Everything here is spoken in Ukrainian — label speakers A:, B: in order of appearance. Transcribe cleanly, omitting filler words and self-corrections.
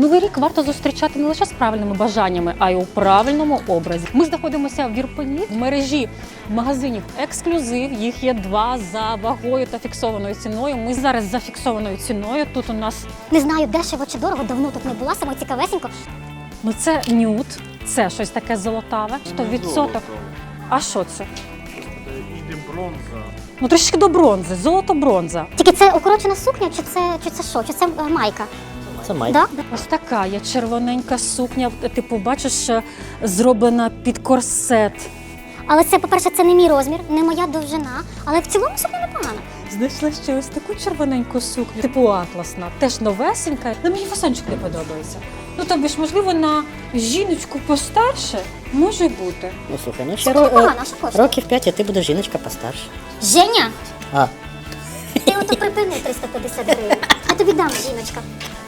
A: Новий рік варто зустрічати не лише з правильними бажаннями, а й у правильному образі. Ми знаходимося в Ірпені, в мережі магазинів «Ексклюзив». Їх є 2 за вагою та фіксованою ціною. Ми зараз за фіксованою ціною. Тут у нас,
B: Не знаю, дешево чи дорого, давно тут не була, саме цікавесенько.
A: ну це нюд, це щось таке золотаве, 100%. А що це?
C: Іде бронза.
A: Ну трішки до бронзи, золото-бронза.
B: Тільки це укорочена сукня, чи це що? Чи це майка?
D: Це майка.
B: Да?
A: Ось така є червоненька сукня, типу, бачиш, зроблена під корсет.
B: Але це, по-перше, це не мій розмір, не моя довжина, але в цілому сукня непогана.
A: Знайшла ще ось таку червоненьку сукню, типу атласна, теж новесенька. Але мені фасончик не подобається. Ну тобі ж, можливо, на жіночку постарше може бути.
D: Ну слухай, ну ще
B: Сукня непогана, а що коштує?
D: років 5, а ти будеш жіночка постарше.
B: Женя,
D: А,
B: ти ото припини 350 гривень. Я тобі дам, жіночка.